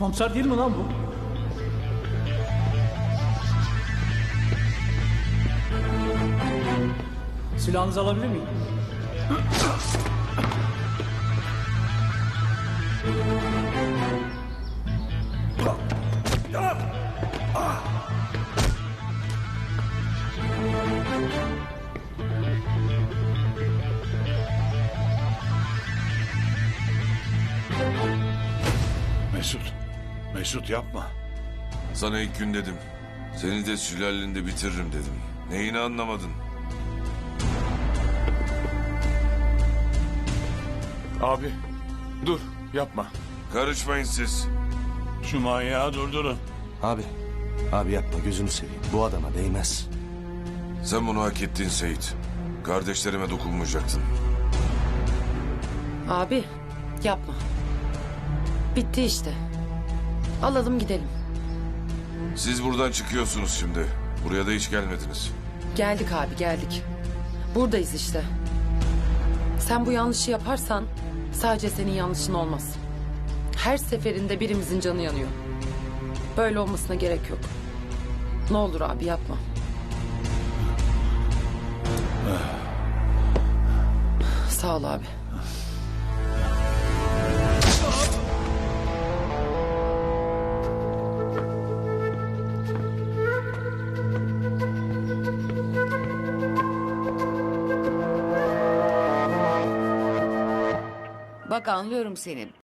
Komiser değil mi lan bu? Silahınızı alabilir miyim? Mesut yapma. Sana ilk gün dedim. Seni de sülalende bitiririm dedim. Neyini anlamadın? Abi dur yapma. Karışmayın siz. Şu manyağı durdurun. Abi yapma gözünü seveyim. Bu adama değmez. Sen bunu hak ettin Seyit. Kardeşlerime dokunmayacaktın. Abi yapma. Bitti işte. Alalım gidelim. Siz buradan çıkıyorsunuz şimdi. Buraya da hiç gelmediniz. Geldik abi geldik. Buradayız işte. Sen bu yanlışı yaparsan sadece senin yanlışın olmaz. Her seferinde birimizin canı yanıyor. Böyle olmasına gerek yok. Ne olur abi yapma. Sağ ol abi. Bak anlıyorum seni.